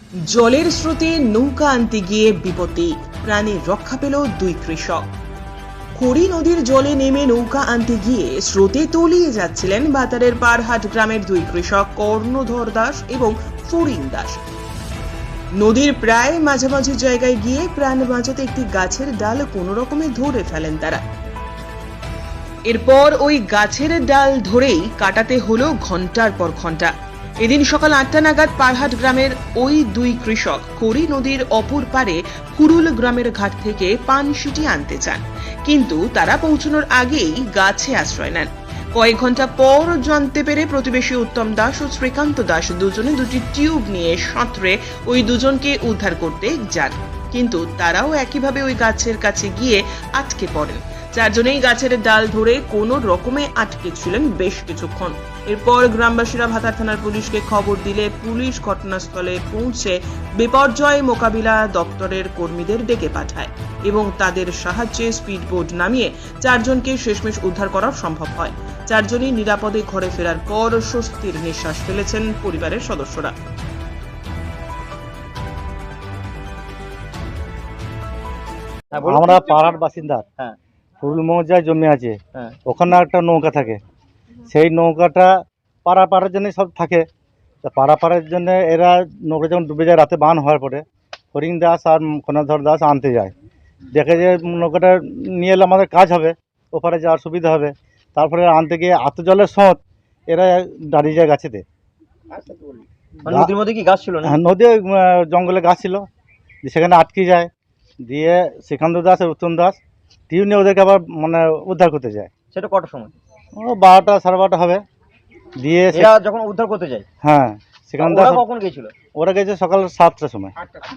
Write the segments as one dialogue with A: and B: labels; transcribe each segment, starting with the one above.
A: জলের স্রোতে নৌকা আনতে গিয়ে বিপত্তি, প্রাণে রক্ষা পেল দুই কৃষক। খড়ি নদীর জলে নেমে নৌকা আনতে গিয়ে স্রোতে তলিয়ে যাচ্ছিলেন বাতারের পারহাট গ্রামের দুই কৃষক কর্ণধর দাস এবং ফরিং দাস। নদীর প্রায় মাঝামাঝি জায়গায় গিয়ে প্রাণ বাঁচাতে একটি গাছের ডাল কোনো রকমে ধরে ফেলেন তারা। এরপর ওই গাছের ডাল ধরেই কাটাতে হলো ঘন্টার পর ঘন্টা। এদিন সকাল 8টা নাগাদ পারহাট গ্রামের ওই দুই কৃষক খড়ি নদীর অপর পারে কুরুল গ্রামের ঘাট থেকে পানশিটি আনতে চান, কিন্তু তারা পৌঁছানোর আগেই গাছে আশ্রয় নেন। কয়েক ঘন্টা পর জানতে পেরে প্রতিবেশী উত্তম দাস ও শ্রীকান্ত দাস দুজনে দুটি টিউব নিয়ে সাঁতরে ওই দুজনকে উদ্ধার করতে যান, কিন্তু তারাও একইভাবে ওই গাছের কাছে গিয়ে আটকে পড়েন। চারজনেই গাছের ডাল ধরে কোনো রকমে আটকে ছিলেন বেশ কিছুক্ষণ। এরপর গ্রামবাসীরা ভাতার থানার পুলিশকে খবর দিলে পুলিশ ঘটনাস্থলে পৌঁছে বিপর্যয় মোকাবিলা দপ্তরের কর্মীদের ডেকে পাঠায় এবং তাদের সাহায্যে স্পিডবোট নামিয়ে চারজনকে শেষমেশ উদ্ধার করা সম্ভব হয়। চারজনই নিরাপদে ঘরে ফেরার পর স্বস্তির নিঃশ্বাস ফেলেছেন পরিবারের সদস্যরা।
B: আমরা পাড়ার বাসিন্দা। ফুল মৌজায় জমি আছে, ওখানে একটা নৌকা থাকে। সেই নৌকাটা পাড়ার জন্য সব থাকে। তা পাড়ার জন্য এরা নৌকা যখন ডুবে যায় রাতে বান হওয়ার পরে ফরিং দাস আর কর্ণধর দাস আনতে যায়। দেখে যে নৌকাটা নিয়ে এলে আমাদের কাজ হবে, ওপারে যাওয়ার সুবিধা হবে। তারপরে আনতে গিয়ে এত জলের স্রোত, এরা দাঁড়িয়ে যায় গাছেতে।
C: নদীর মধ্যে কি গাছ ছিল না?
B: হ্যাঁ, নদী জঙ্গলে গাছ ছিল, সেখানে আটকে যায়। দিয়ে শ্রীকান্ত দাস আর উত্তম দাস টিউ নিয়ে ওদেরকে আবার উদ্ধার করতে যায়।
C: সেটা কটার সময়?
B: ও 12টা সাড়ে 12টা হবে। দিয়ে
C: এরা যখন উদ্ধার করতে যায়,
B: হ্যাঁ, শ্রীকান্ত
C: ওরা
B: দাস
C: কখন গেছিল?
B: ওরা গেছে সকাল 7টার সময়।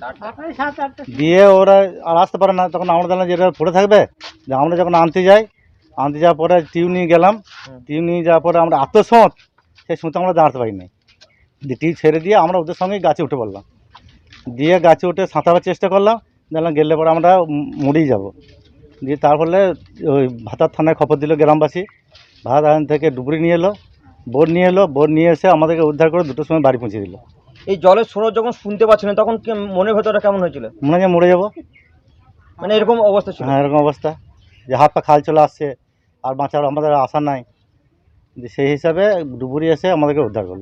B: দিয়ে ওরা আর আসতে পারে না, তখন আমরা জানলাম যে এরা পড়ে থাকবে। যে আমরা যখন আনতে যাওয়ার পরে টিউ নিয়ে গেলাম। টিউ নিয়ে যাওয়ার পরে আমরা এত স্রোত, সেই স্রোতে আমরা দাঁড়াতে পারিনি। দিয়ে টিউ ছেড়ে দিয়ে আমরা ওদের সঙ্গে গাছে উঠে পড়লাম। দিয়ে গাছে উঠে সাঁতারের চেষ্টা করলাম, জানলাম গেলে পরে আমরা মরেই যাব। দিয়ে তারপরে ওই ভাতার থানায় খবর দিল গ্রামবাসী। ভাতার থানা থেকে ডুবুরি নিয়ে এলো, বোট নিয়ে এসে আমাদেরকে উদ্ধার করে 2টোর সময় বাড়ি পৌঁছে দিল।
C: এই জলের স্রোত যখন শুনতে পাচ্ছিলেন তখন মনের ভেতরটা কেমন হয়েছিল?
B: মনে হয় যে মরে যাবো।
C: মানে এরকম অবস্থা ছিল?
B: হ্যাঁ, এরকম অবস্থা যে হাত পা খাল চলে আসছে, আর বাঁচার আমাদের আশা নাই। যে সেই হিসাবে ডুবুরি এসে আমাদেরকে উদ্ধার করলো।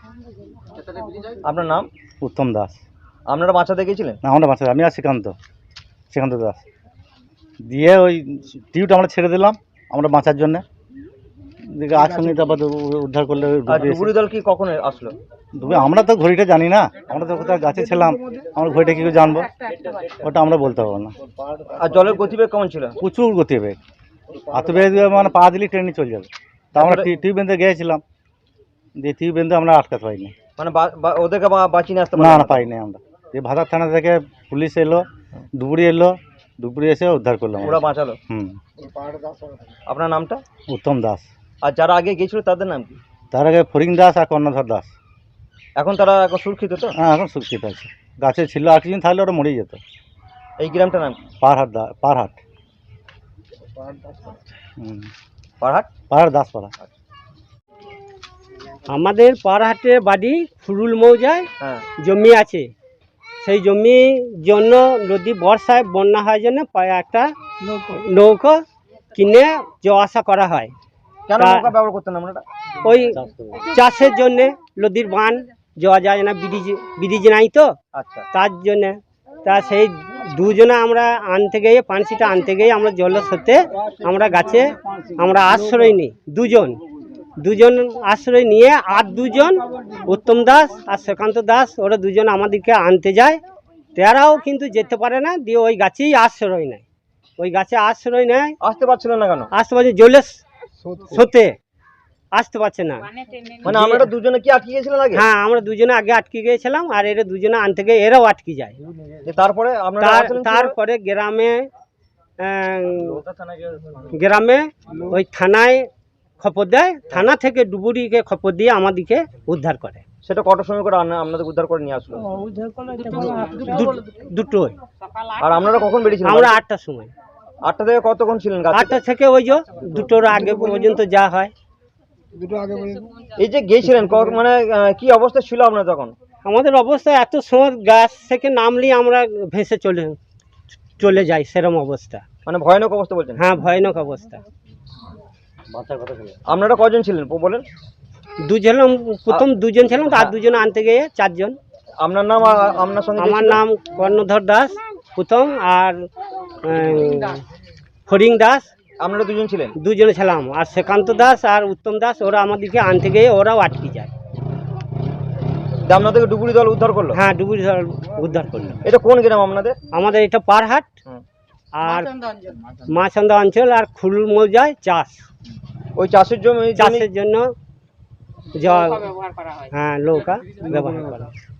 C: আপনার নাম?
B: উত্তম দাস।
C: আপনারা বাঁচাতে গিয়েছিলেন?
B: না, আমরা বাঁচা, আমি আর শ্রীকান্ত দাস। দিয়ে ওই টিউটা আমরা ছেড়ে দিলাম আমরা বাঁচার জন্যে। দিকে একসঙ্গে তারপর উদ্ধার করলে
C: আর ডুবুরি দল কি কখন আসলো?
B: আমরা তো ঘড়িটা জানি না, আমরা তো কোথাও গাছে ছিলাম, আমরা ঘড়িটা কী করে জানবো, ওটা আমরা বলতে পারবো না।
C: আর জলের গতিবেগ কেমন ছিল?
B: প্রচুর গতিবেগ, এত বেগ পা দিলে ট্রেনে চলে যাবে। তা আমরা টিউব বেঁধে গিয়েছিলাম, দিয়ে টিউব বেঁধে আমরা আটকাতে পারিনি।
C: মানে ওদেরকে বাঁচিয়ে নিয়ে আসতে
B: না, পাইনি আমরা। দিয়ে ভাতার থানা থেকে পুলিশ এলো, ডুবুরি এসে উদ্ধার করলাম।
C: ওরা বাঁচালো? আপনার নামটা?
B: উত্তম দাস।
C: আর যারা আগে গিয়েছিল তাদের নাম কি?
B: তার আগে ফরিং দাস আর কর্ণধর দাস।
C: এখন তারা এখন সুরক্ষিত তো?
B: হ্যাঁ, এখন সুরক্ষিত আছে। গাছে ছিল, আর কিছুদিন থাকলে ওরা মরেই যেত।
C: এই গ্রামটার নাম?
B: পারহাট। পারহাট দাসপাড়া।
D: আমাদের পারহাটে বাড়ি ফুরুল মৌজায় জমি আছে। সেই জমির জন্য নদী বর্ষায় বন্যা হয় জন্য একটা নৌকা কিনে যাওয়া আসা করা হয়।
C: কেন নৌকা ব্যবহার করতেন আপনারা?
D: ওই চাষের জন্যে, নদীর বান যাওয়া যায় না, ব্রিজ নাই তো। আচ্ছা, তার জন্যে তা সেই দুজনে আমরা আনতে গিয়ে পানসিটা আনতে গিয়ে আমরা জলের সাথে আমরা গাছে আমরা আশ্রয় নিই। দুজন আশ্রয় নিয়ে আর দুজন উত্তম দাস আর শ্রীকান্ত দাস ওরা দুজন আমাদেরকে আনতে যায়। তারাও কিন্তু যেতে পারে না, দিয়ে ওই গাছেই আশ্রয় নেয়। ওই গাছে আশ্রয় নেয়।
C: আসতে পারছিল না কেন?
D: আসতে পারছে জলের স্রোতে আসতে পারছে না।
C: মানে আমরা দুজনে কি আটকে গিয়েছিলেন আগে?
D: হ্যাঁ, আমরা দুজনে আগে আটকে গিয়েছিলাম, আর এরা দুজনে আনতে গিয়ে এরাও আটকে যায়। তারপরে গ্রামে ওই থানায় খবর দেয়, থানা থেকে ডুবুরিকে খবর দিয়ে আমাদেরকে উদ্ধার করে।
C: সেটা কটার সময় করে আপনাদের উদ্ধার করে নিয়ে আসলো?
D: দুটোই।
C: আর আপনারা কখন বেরিয়েছিলেন?
D: আমরা 8টার সময়।
C: 8টা থেকে কতক্ষণ ছিলেন?
D: 8টা থেকে ওই যে দুটোর আগে পর্যন্ত যা হয়।
C: এই যে গিয়েছিলেন মানে কি অবস্থা ছিল আপনার তখন?
D: আমাদের অবস্থা এত সময় গাছ থেকে নামলেই আমরা ভেসে চলে যাই, সেরকম অবস্থা।
C: মানে ভয়ানক অবস্থা বলছেন?
D: হ্যাঁ, ভয়ানক অবস্থা।
C: আপনারা কজন ছিলেন বলেন?
D: দুজন, প্রথম দুজন ছিলাম, তার দুজন আনতে গিয়ে চারজন।
C: আপনার নাম আর আপনার সঙ্গে
D: আমার নাম কর্ণধর দাস প্রথম, আর ফরিং দাস।
C: আপনারা দুজন ছিলেন?
D: দুজনে ছিলাম, আর শ্রীকান্ত দাস আর উত্তম দাস, ওরা আমাদেরকে আনতে গিয়ে ওরাও আটকে যায়।
C: আপনাদেরকে ডুবুরি দল উদ্ধার করলো?
D: হ্যাঁ, ডুবুরি দল উদ্ধার করলো।
C: এটা কোন গ্রাম আপনাদের?
D: আমাদের এটা পারহাট আর মাছন্দা অঞ্চল আর খুলুল মৌজায় চাষ।
C: ওই চাষের জমি
D: চাষের জন্য জল, হ্যাঁ, নৌকা ব্যবহার করা হয়।